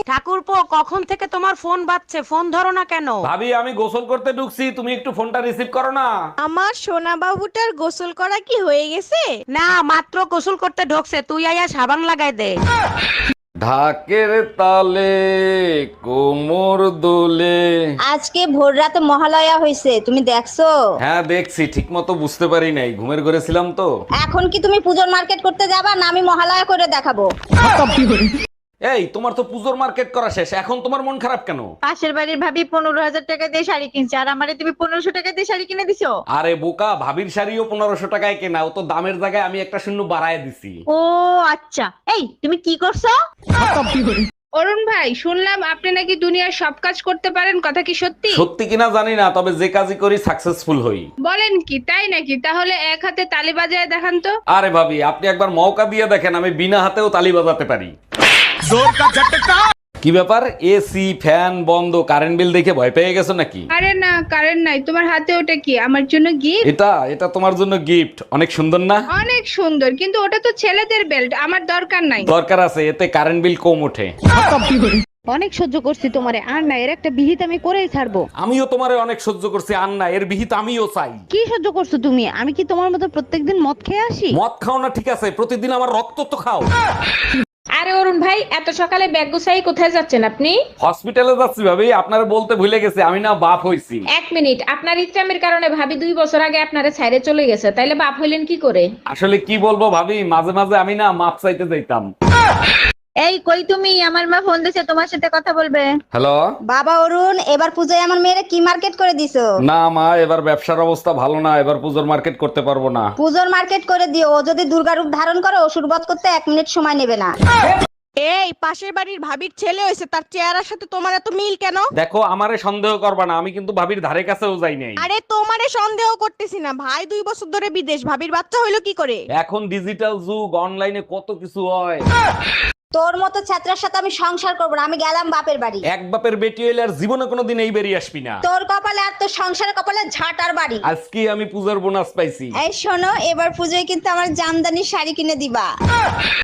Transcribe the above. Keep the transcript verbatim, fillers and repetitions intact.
ঠাকুরপো, কখন থেকে তোমার ফোন বাজছে, ফোন ধরো না কেন? ভাবি আমি গোসল করতে ঢুকছি, তুমি একটু ফোনটা রিসিভ করো না। আমার সোনা বাবুটার গোসল করা কি হয়ে গেছে? না, মাত্র গোসল করতে ঢোকছে, তুই আয়া সাবান লাগাই দে। ঢাকের তালে কোমর দোলে। আজকে ভোর রাতে মহালয়া হয়েছে, তুমি দেখছো? হ্যাঁ দেখছি, ঠিক মতো বুঝতে পারি নাই, ঘুমের ঘরে ছিলাম তো। এখন কি তুমি পুজোর মার্কেট করতে যাবা না আমি মহালয়া করে দেখাবো? এই তোমার তো পুজোর মার্কেট করা শেষ, এখন তোমার মন খারাপ কেন? পাশের বাড়ির ভাবি পনেরো হাজার টাকা দিয়ে শাড়ি কিনছে, আর আমারে তুমি পনেরোশো টাকা দিয়ে শাড়ি কিনে দিছো। আরে বোকা, ভাবির শাড়িও পনেরোশো টাকায় কেনা, ও তো দামের জায়গায় আমি একটা শূন্য বাড়ায় দিছি। ও আচ্ছা, এই তুমি কি করছো? অরুণ ভাই, শুনলাম আপনি নাকি দুনিয়ার সব কাজ করতে পারেন, কথা কি সত্যি? সত্যি কিনা জানি না, তবে যে কাজই করি সাকসেসফুল হই। বলেন কি, তাই নাকি? তাহলে এক হাতে তালি বাজায় দেখান তো। আরে ভাবি, আপনি একবার মৌকা দিয়ে দেখেন, আমি বিনা হাতেও তালি বাজাতে পারি। কি ব্যাপার, এসি ফ্যান বন্ধ, কারেন্ট বিল দেখে ভয় পেয়ে গেছো নাকি? আরে না, কারেন্ট নাই। তোমার হাতে ওটা কি? আমার জন্য গিফট? এটা এটা তোমার জন্য গিফট, অনেক সুন্দর না? অনেক সুন্দর, কিন্তু ওটা তো ছেলেদের বেল্ট, আমার দরকার নাই। দরকার আছে, এতে কারেন্ট বিল কম ওঠে। অনেক সহ্য করছি তোমারে, আর না এর একটা বিহিত আমি করেই ছাড়বো। আমিও তোমারে অনেক সহ্য করছি, আর না এর বিহিত আমিও চাই। কি সহ্য করছো তুমি? আমি কি তোমার মতো প্রত্যেকদিন মদ খেয়ে আসি? মদ খাও না ঠিক আছে, প্রতিদিন আমার রক্ত তো খাও। আরে অরুণ ভাই, এত সকালে ব্যাগ গুছাই কোথায় যাচ্ছেন আপনি? হসপিটালে যাচ্ছি ভাবি, আপনারা বলতে ভুলে গেছি, আমি না বাপ হইছি। এক মিনিট, আপনার ইচ্ছামের কারণে ভাবি দুই বছর আগে আপনারে ছাইরে চলে গেছে, তাইলে বাপ হইলেন কি করে? আসলে কি বলবো ভাবি, মাঝে মাঝে আমি না মাপ চাইতে যাইতাম। এই কই তুমি? আমার মা ফোন দিছে, তোমার সাথে কথা বলবে। হ্যালো। বাবা অরুণ, এবার পূজায় আমার মেয়েরা কি মার্কেট করে দিছো? না মা, এবার ব্যবসার অবস্থা ভালো না, এবার পুজোর মার্কেট করতে পারবো না। পুজোর মার্কেট করে দিও, ও যদি দুর্গা রূপ ধারণ করে অসুর বধ করতে এক মিনিট সময় নেবে না। এই পাশের বাড়ির ভাবির ছেলে হয়েছে, তার চেহারার সাথে তোমার এত মিল কেন? দেখো, আমারে সন্দেহ করবা না, আমি কিন্তু ভাবির ধারে কাছেও যাই নাই। আরে তোমারে সন্দেহ করতেছি না, ভাই দুই বছর ধরে বিদেশ, ভাবির বাচ্চা হইলো কি করে? এখন ডিজিটাল যুগ, অনলাইনে কত কিছু হয়। তোর মতো ছাত্রের সাথে আমি সংসার করবো না, আমি গেলাম বাপের বাড়ি। এক বাপের বেটি হইলে আর জীবনে কোনোদিন এই বেরিয়ে আসবি না। তোর কপালে আর তোর সংসারের কপালে ঝাঁটার বাড়ি। আজকে আমি পূজার বোনাস পাইছি। এই শোনো, এবার পুজোয় কিন্তু আমার জামদানি শাড়ি কিনে দিবা।